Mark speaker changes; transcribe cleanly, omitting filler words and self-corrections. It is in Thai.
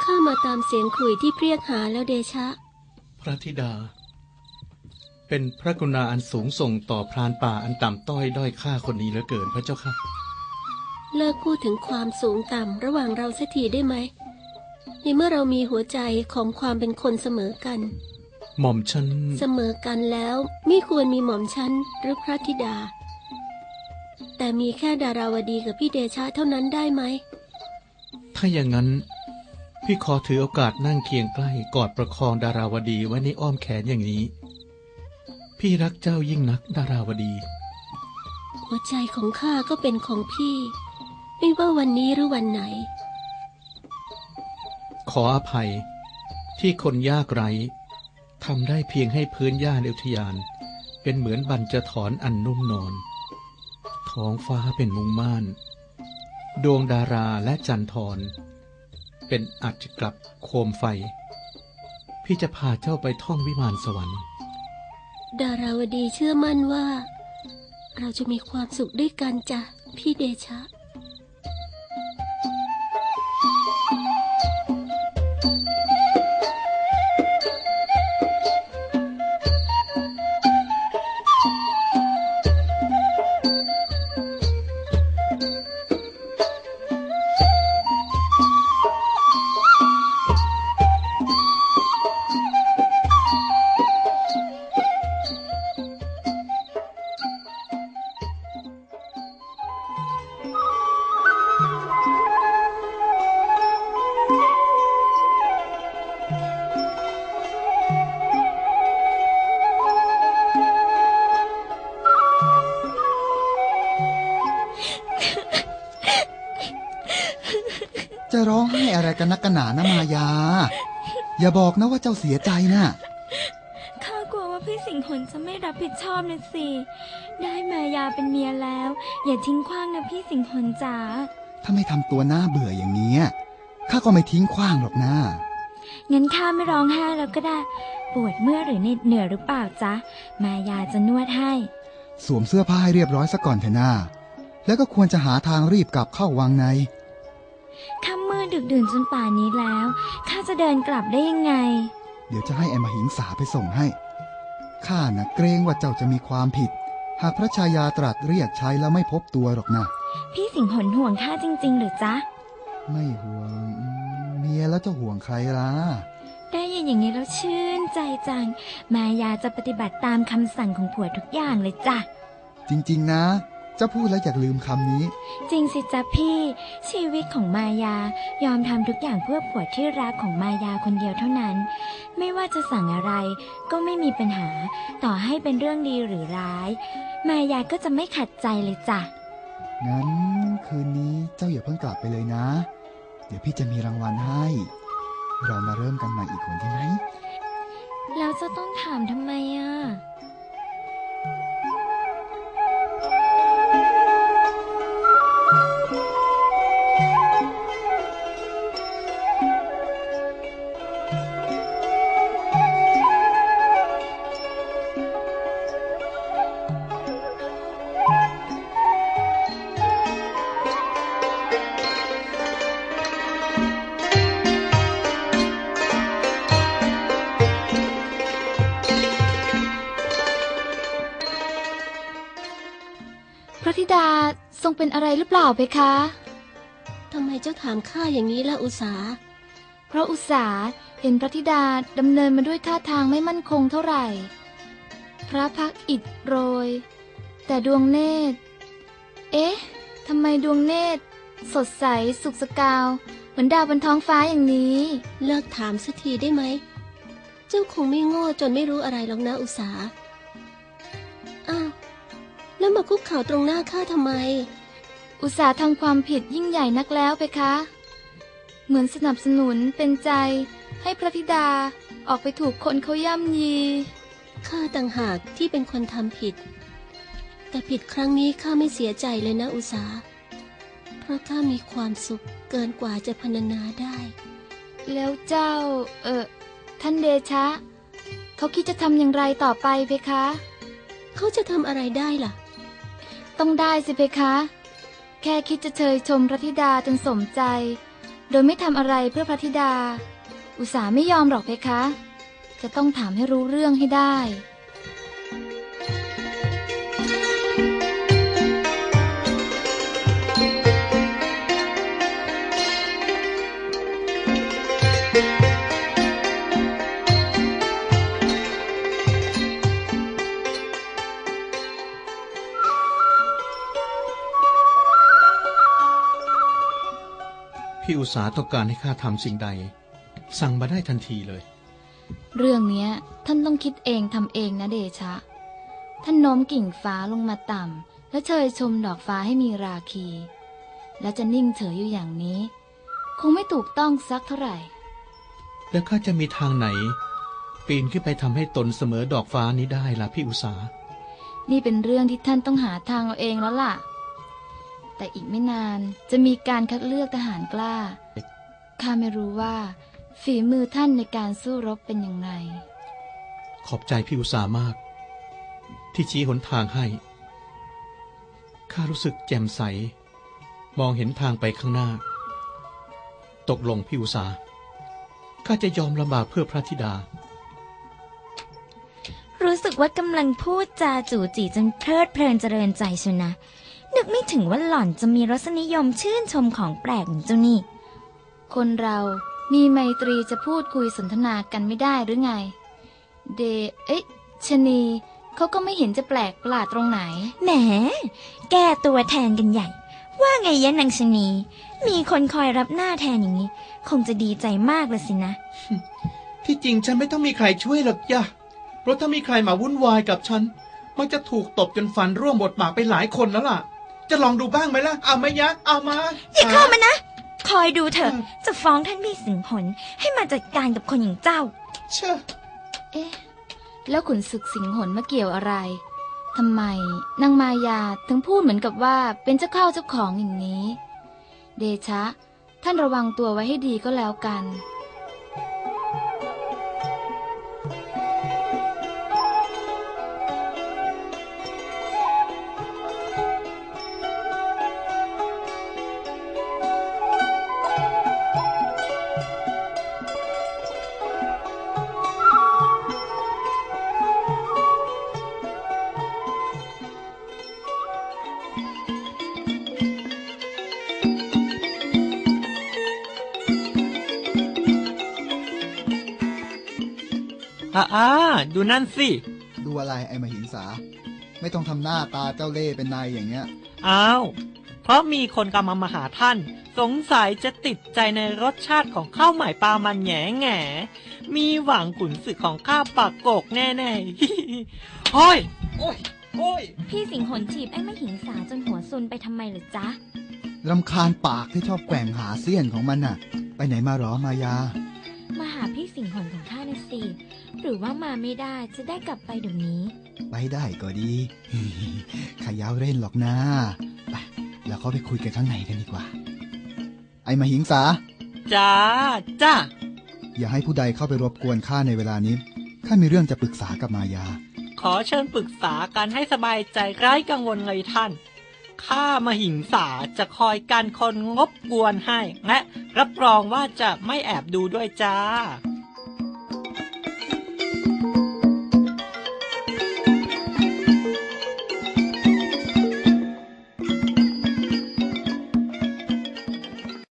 Speaker 1: ข้ามาตามเสียงขลุ่ยที่เรียกหาแล้วเดชะ
Speaker 2: พระธิดาเป็นพระกรุณาอันสูงส่งต่อพรานป่าอันต่ำต้อยด้อยค่าคนนี้เหลือเกินพระเจ้าค่ะ
Speaker 1: เลิกพูดถึงความสูงต่ำระหว่างเราสักทีได้ไหมในเมื่อเรามีหัวใจของความเป็นคนเสมอกัน
Speaker 2: หม่อมฉัน
Speaker 1: เสมอกันแล้วไม่ควรมีหม่อมฉันหรือพระธิดาแต่มีแค่ดาราวดีกับพี่เดชะเท่านั้นได้ไหม
Speaker 2: ถ้าอย่างนั้นพี่ขอถือโอกาสนั่งเคียงใกล้กอดประคองดาราวดีไว้ในอ้อมแขนอย่างนี้พี่รักเจ้ายิ่งนักดาราวดี
Speaker 1: หัวใจของข้าก็เป็นของพี่ไม่ว่าวันนี้หรือวันไหน
Speaker 2: ขออภัยที่คนยากไร้ทำได้เพียงให้พื้นหญ้าในอุทยานเป็นเหมือนบัญจถอนอันนุ่มนอนท้องฟ้าเป็นมุงม่านดวงดาราและจันทรเป็นอัจฉกลับโคมไฟพี่จะพาเจ้าไปท่องวิมานสวรรค์
Speaker 1: ดาราวดีเชื่อมั่นว่าเราจะมีความสุขด้วยกันจ้ะพี่เดชะ
Speaker 3: จะร้องไห้อะไรกันนักกันหนานะมายาอย่าบอกนะว่าเจ้าเสียใจนะ
Speaker 4: ข้ากลัวว่าพี่สิงห์หนจะไม่รับผิดชอบนะสิได้มายาเป็นเมียแล้วอย่าทิ้งขว้างนะพี่สิงห์หนจ๋า
Speaker 3: ถ้าไม่ทำตัวหน้าเบื่ออย่างนี้ข้าก็ไม่ทิ้งขว้างหรอกนะ
Speaker 4: งั้นข้าไม่ร้องไห้แล้วก็ได้ปวดเมื่อยหรือเหนื่อยหรือเปล่าจ๊ะมายาจะนวดให้
Speaker 3: สวมเสื้อผ้าให้เรียบร้อยซะก่อนเถอะนะแล้วก็ควรจะหาทางรีบกลับเข้าวังใน
Speaker 4: ค่ำมืดดึกดื่นจนป่านนี้แล้วข้าจะเดินกลับได้ยังไง
Speaker 3: เดี๋ยวจะให้ไอ้มหิงสาไปส่งให้ข้าน่ะเกรงว่าเจ้าจะมีความผิดหากพระชายาตรัสเรียกใช้แล้วไม่พบตัวหรอกนะ
Speaker 4: พี่สิงห์หนห่วงข้าจริงๆหรือจ๊ะ
Speaker 3: ไม่ห่วงเมียแล้วจะห่วงใครล่ะ
Speaker 4: ได้ยินอย่างนี้แล้วชื่นใจจังมายาจะปฏิบัติตามคำสั่งของผัวทุกอย่างเลยจ้ะ
Speaker 3: จริงๆนะเจ้าพูดแล้วอยากลืมคำนี้
Speaker 4: จริงสิจ๊ะพี่ชีวิตของมายายอมทำทุกอย่างเพื่อผัวที่รักของมายาคนเดียวเท่านั้นไม่ว่าจะสั่งอะไรก็ไม่มีปัญหาต่อให้เป็นเรื่องดีหรือร้ายมายาก็จะไม่ขัดใจเลยจ้ะ
Speaker 3: งั้นคืนนี้เจ้าอย่าเพิ่งกลับไปเลยนะเดี๋ยวพี่จะมีรางวัลให้เรามาเริ่มกันใหม่อีกคนดีไหม
Speaker 4: แล้วจะต้องถามทำไมอ่ะ
Speaker 5: พระธิดาทรงเป็นอะไรหรือเปล่าเพคะ
Speaker 1: ทำไมเจ้าถามข้าอย่างนี้ล่ะอุษา
Speaker 5: เพราะอุษาเห็นพระธิดาดำเนินมาด้วยท่าทางไม่มั่นคงเท่าไหร่พระพักตร์อิฐโรยแต่ดวงเนตรเอ๊ะทำไมดวงเนตรสดใสสุกสกาวเหมือนดาวบนท้องฟ้าอย่างนี้
Speaker 1: เลิกถามสักทีได้ไหมเจ้าคงไม่โง่จนไม่รู้อะไรหรอกนะอุษาอ้าวแล้วมาคุกเข่าตรงหน้าข้าทำไม
Speaker 5: อุตส่าห์ทำความผิดยิ่งใหญ่นักแล้วเพคะเหมือนสนับสนุนเป็นใจให้พระธิดาออกไปถูกคนเขาย่ำยี
Speaker 1: ข้าต่างหากที่เป็นคนทำผิดแต่ผิดครั้งนี้ข้าไม่เสียใจเลยนะอุษาเพราะข้ามีความสุขเกินกว่าจะพรรณนาได้
Speaker 5: แล้วเจ้าท่านเดชะเขาคิดจะทำอย่างไรต่อไปเพคะ
Speaker 1: เขาจะทำอะไรได้ล่ะ
Speaker 5: ต้องได้สิเพคะแค่คิดจะเชยชมพระธิดาจนสมใจโดยไม่ทำอะไรเพื่อพระธิดา อุตสาไม่ยอมหรอกเพคะ จะต้องถามให้รู้เรื่องให้ได้
Speaker 2: พี่อุตสาต้องการให้ข้าทำสิ่งใด สั่งมาได้ทันทีเลย
Speaker 5: เรื่องเนี้ยท่านต้องคิดเองทำเองนะเดชะ ท่านโน้มกิ่งฟ้าลงมาต่ำและเชยชมดอกฟ้าให้มีราคี และจะนิ่งเฉยอยู่อย่างนี้ คงไม่ถูกต้องสักเท่าไหร่
Speaker 2: แล้วข้าจะมีทางไหน ปีนขึ้นไปทำให้ตนเสมอดอกฟ้านี้ได้ล่ะพี่อุตสา
Speaker 5: นี่เป็นเรื่องที่ท่านต้องหาทางเอาเองแล้วล่ะ แต่อีกไม่นานจะมีการคัดเลือกทหารกล้า ข้าไม่รู้ว่าฝีมือท่านในการสู้รบเป็นอย่างไร
Speaker 2: ขอบใจพี่อุตสามาก ที่ชี้หนทางให้ ข้ารู้สึกแจ่มใส มองเห็นทางไปข้างหน้า ตกลงพี่อุตสาข้าจะยอมลำบากเพื่อพระธิดา
Speaker 4: รู้สึกว่ากำลังพูดจาจู่จีจนเพลิดเพลินเจริญใจชนะนึกไม่ถึงว่าหล่อนจะมีรสนิยมชื่นชมของแปลกอย่างเจ้านี่
Speaker 5: คนเรามีไมตรีจะพูดคุยสนทนากันไม่ได้หรือไง ชะนีเขาก็ไม่เห็นจะแปลกประหลาดตรงไหน
Speaker 4: แหมแก้ตัวแทนกันใหญ่ ว่าไงยะนางชะนีมีคนคอยรับหน้าแทนอย่างนี้ คงจะดีใจมากเลยสินะ
Speaker 2: ที่จริงฉันไม่ต้องมีใครช่วยหรอกย่ะเพราะถ้ามีใครมาวุ่นวายกับฉันมันจะถูกตบจนฟันร่วงหมดปากไปหลายคนแล้วล่ะ จะลองดูบ้างไหมล่ะ เอาไหมยะ เอามา
Speaker 4: อย่าเข้ามานะ คอยดูเถอะ จะฟ้องท่านพี่สิงหนให้มาจัดการกับคนอย่างเจ้า
Speaker 2: เชื่อ
Speaker 5: เอ๊ะ แล้วขุนศึกสิงหนมาเกี่ยวอะไร ทำไมนางมายาถึงพูดเหมือนกับว่าเป็นเจ้าเข้าเจ้าของอย่างนี้ เดชะ ท่านระวังตัวไว้ให้ดีก็แล้วกัน
Speaker 6: ดูนั่นสิ
Speaker 3: ดูอะไรไอ้มหิงสา ไม่ต้องทำหน้าตาเจ้าเล่ห์เป็นนายอย่างเงี้ย
Speaker 6: อ้าว เพราะมีคนกำลังมาหาท่าน สงสัยจะติดใจในรสชาติของข้าวใหม่ปลามันแง่แง่มีหวังขุนศึกของข้าปากโกกแน่ๆ โอ้ย โอ้ย โอ้ย
Speaker 4: พี่สิงหนจีบไอ้แม่หิงสาจนหัวซุนไปทำไมเหรือจ๊ะ
Speaker 3: รำคาญปากที่ชอบแกว่งหาเสี้ยนของมันน่ะ ไปไหนมาหรอมายา
Speaker 4: มาหาพี่สิงหนของข้านะสิหรือว่ามาไม่ได้จะได้กลับไปเดี๋ยวนี้
Speaker 3: ไปได้ก็ดี ขายาวเล่นหรอกนะไปแล้วเขาไปคุยกันข้างในกันดีกว่า ไอ้มหิงสา
Speaker 6: จ้า
Speaker 3: อย่าให้ผู้ใดเข้าไปรบกวนข้าในเวลานี้ข้ามีเรื่องจะปรึกษากับมายา
Speaker 6: ขอเชิญปรึกษากันให้สบายใจไร้กังวลเลยท่าน ข้ามหิงสาจะคอยกันคนงบกวนให้ และรับรองว่าจะไม่แอบดูด้วยจ้า